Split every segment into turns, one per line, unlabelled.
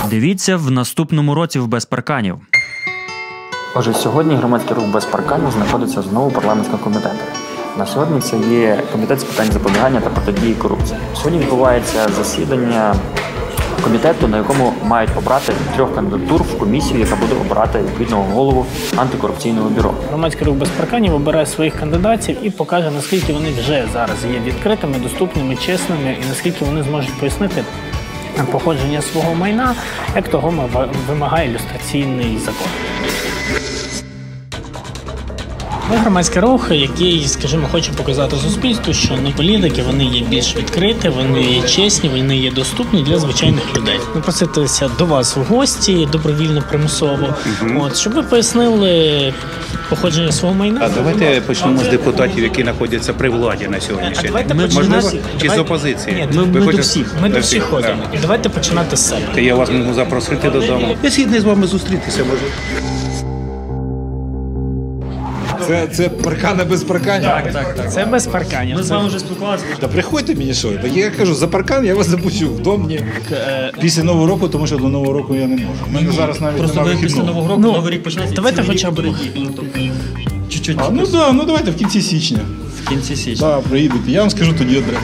Дивіться в наступному році в «Без парканів».
Отже, сьогодні громадський рух «Без парканів» знаходиться знову в парламентському комітеті. На сьогодні це є комітет з питань запобігання та протидії корупції. Сьогодні відбувається засідання комітету, на якому мають обрати 3 кандидатур в комісію, яка буде обирати відповідного голову антикорупційного бюро.
Громадський рух «Без парканів» обирає своїх кандидатів і покаже, наскільки вони вже зараз є відкритими, доступними, чесними і наскільки вони зможуть пояснити походження свого майна, як того вимагає люстраційний закон. Ми громадський рух, який, скажімо, хоче показати суспільству, що політики, вони є більш відкриті, вони є чесні, вони є доступні для звичайних людей. Ми проситися до вас в гості, добровільно, примусово, щоб ви пояснили походження свого майна.
А давайте почнемо з депутатів, які знаходяться при владі на сьогоднішній день. Можливо, чи з опозиції?
Ні, ми до всіх ходимо. І давайте починати з себе.
Я вас можу запросити додому. Я згідний з вами зустрітися можу.
Це паркани без парканів?
Так. Це без парканів.
Ми з вами вже спілкувалися.
Та приходьте мені що. Я кажу, за паркан я вас запущу в дом після Нового року, тому що до Нового року я не можу. У мене зараз навіть
Просто
немає
після
вихідного.
Нового року, Новий рік почнеться.
Давайте хоча б
чуть-чуть.
Ну давайте в кінці січня.
В кінці січня.
Так, приїдете. Я вам скажу тоді одразу.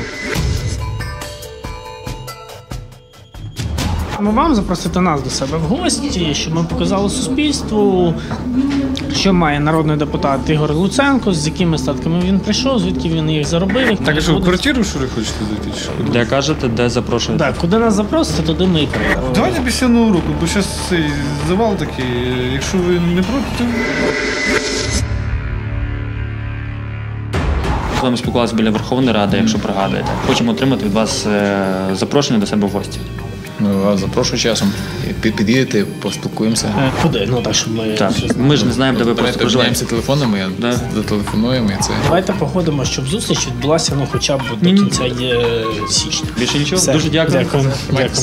Ми вам запросити нас до себе в гості, щоб ми показали суспільству, що має народний депутат Ігор Луценко, з якими статками він прийшов, звідки він їх заробив.
Так, що, в квартиру, що ви хочете зайти?
Де кажете, де запрошуєте?
Так, куди нас запросите, туди ми і прийдемо.
Давайте після Нового року, бо зараз цей завал такий, якщо ви не проти, то...
З вами спілкувалися біля Верховної Ради, якщо пригадуєте. Хочемо отримати від вас запрошення до себе в гості.
Ми вас запрошую часом. Під'їдете, поспілкуємося.
Куди? Ну так, щоб ми...
Так, ми ж не знаємо, де ви просто проживаєте.
Переміняємося телефонами, зателефонуємо і це.
Давайте походимо, щоб зустріч відбулася хоча б до кінця січня.
Більше нічого?
Все.
Дуже дякую.
Дякую.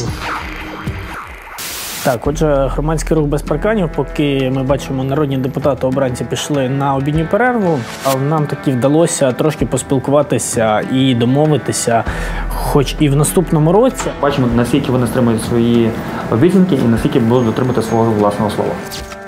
Так, отже, громадський рух «Без парканів», поки ми бачимо, народні депутати обранці пішли на обідню перерву, а нам таки вдалося трошки поспілкуватися і домовитися, хоч і в наступному році.
Бачимо, наскільки вони стримують свої обіцянки і наскільки будуть дотримувати свого власного слова.